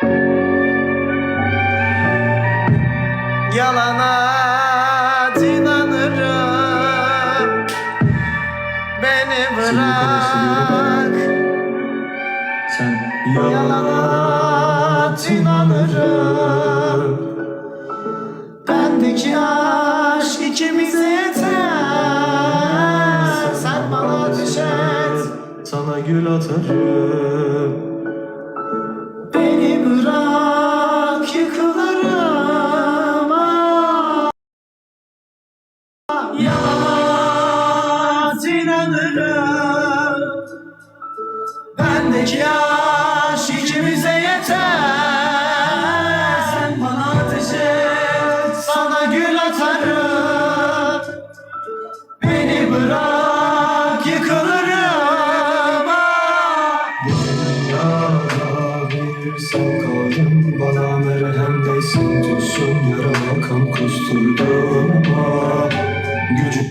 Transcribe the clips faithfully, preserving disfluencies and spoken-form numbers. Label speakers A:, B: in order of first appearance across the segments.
A: Yalana inanırım, beni bırak.
B: Sen
A: Yalana inanırım, bendeki aşk ikimize yeter. Sen bana ateş et,
B: sana gül atarım.
A: beni bırak, yıkılırım. Ah. Yalana inanırım, bendeki aşk ikimize yeter. Sen bana ateş et, sana gül atarım. Beni bırak, yıkılırım. Ah.
B: Dünyada bir sen kaldın, bana merhem değsin. Tutsun yarama kan kusturdum ama gücüm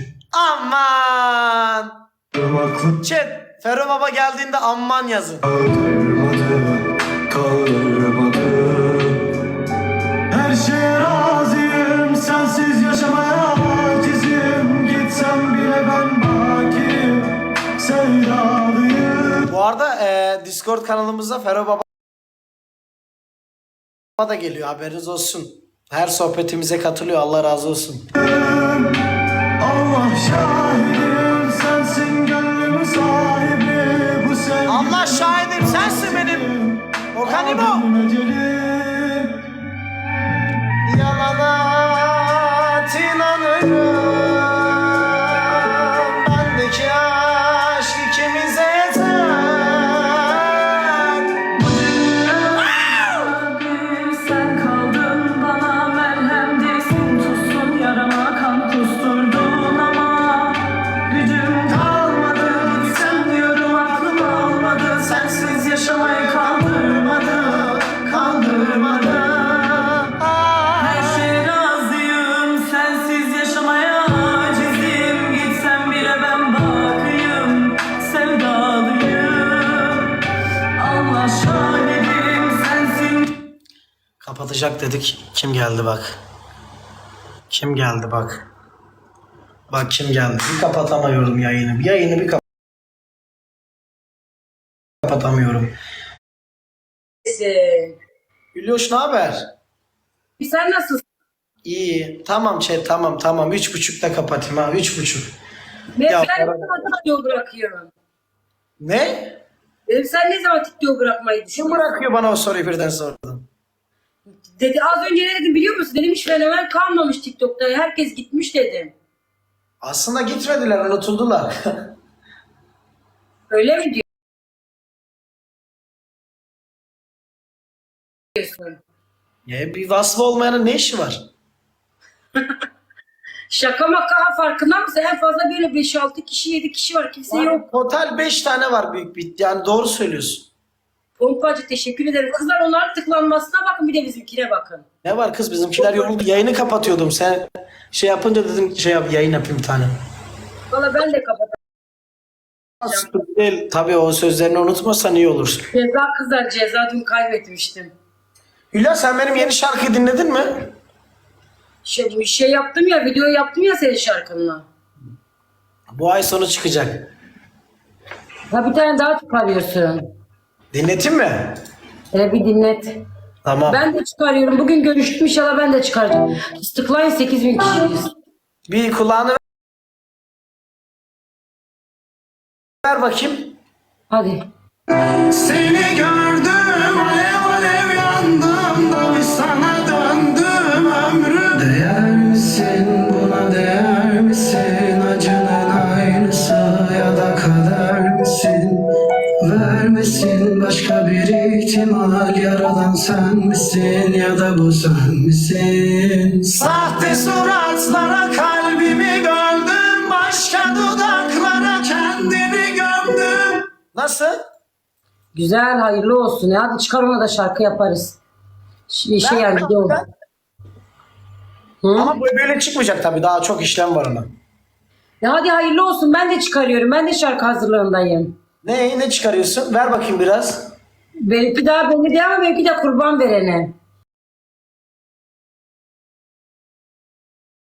A: Aman.
B: aklı
A: Chat, Fero Baba geldiğinde amman yazın.
B: kaldırmadı, kaldırmadı. Her şeye razıyım, sensiz yaşamaya acizim. Gitsem bile ben baki sevdalıyım.
A: Bu arada e, Discord kanalımıza Fero Baba da geliyor, haberiniz olsun. Her sohbetimize katılıyor, Allah razı olsun.
B: Allah şahidim, sensin gönlümün sahibi. Bu sevgi
A: Allah şahidim, sensin benim Okanimo.
B: benim ecelim.
A: Yalana inanırım, bendeki aşk ikimize yeter.
C: Sen kaldın, bana merhem değsin. Tutsun yarama kan kusturdun ama gücüm kalmadı. Gitsem diyorum aklım almadı. Sensiz yaşamayı kaldırmadı, kaldırmadı. Her şeye razıyım, sensiz yaşamaya acizim. Gitsem bile ben bakayım, sevdalıyım. Allah şahidim, sensin.
A: Kapatacak dedik, kim geldi bak. Kim geldi bak. Bak kim geldi. Bir kapatamıyorum yayını. Yayını bir kap- kapatamıyorum.
C: Ee,
A: Gülüyoş ne haber?
C: Sen nasılsın?
A: İyi. Tamam chat, tamam tamam. Üç buçukta kapatayım ha. Üç buçuk.
C: Ben,
A: Ya,
C: ben
A: para-
C: ne zaman TikTok bırakıyorum?
A: Ne?
C: Dedim sen ne zaman TikTok bırakmayı
A: Kim
C: düşünüyorsun?
A: bırakıyor bana o soruyu birden sordun?
C: Dedi az önce ne dedim biliyor musun? Dedim hiç fenomen kalmamış TikTok'ta. Herkes gitmiş dedim.
A: Aslında gitmediler, unutuldular.
C: Öyle mi diyorsun?
A: Ya bir vasfı olmayanın ne işi var?
C: Şaka maka farkında mısın? En fazla böyle beş altı kişi yedi kişi var. Kimse yok.
A: Total beş tane var büyük bir. Yani doğru söylüyorsun.
C: Pompacı teşekkür ederim. Kızlar onların tıklanmasına bakın, bir de bizimkine bakın.
A: Ne var kız, bizimkiler yoruldu. Yayını kapatıyordum. Sen şey yapınca dedim şey yap, yayın yapayım bir tane.
C: Valla ben de kapatacağım.
A: Sıkıntı değil. Tabii o sözlerini unutmasan iyi olur.
C: Ceza kızlar, ceza dün kaybetmiştim.
A: Hülya sen benim yeni şarkıyı dinledin mi?
C: Şey, bir şey yaptım ya, video yaptım ya senin şarkınla.
A: Bu ay sonu çıkacak.
C: Ha bir tane daha çıkarıyorsun.
A: Dinletin mi?
C: Hele bir dinlet.
A: Tamam.
C: Ben de çıkarıyorum. Bugün görüştüm, inşallah ben de çıkaracağım. Tıklayın, sekiz bin kişiyiz.
A: Bir kulağını ver bakayım.
C: Hadi.
B: Seni gördüm, alev alev yandım da bir sana döndüm ömrü. Değer misin buna, değer misin? Acının aynısı ya da kader misin? Vermesin başka bir ihtimal, yaradan sen misin ya da bu sen misin?
A: Sahte suratlara kalbimi gömdüm, başka dudaklara kendimi gömdüm. Nasıl?
C: Güzel, hayırlı olsun. Ya. Hadi çıkar, ona da şarkı yaparız. Şey, şey
A: Ben-
C: yani video. Hı?
A: Ama bu böyle çıkmayacak tabii, daha çok işlem var ona.
C: Ya hadi hayırlı olsun. Ben de çıkarıyorum. Ben de şarkı hazırlığındayım.
A: Ne ne çıkarıyorsun? Ver bakayım biraz.
C: Benimki daha belli değil ama benimki de kurban verene.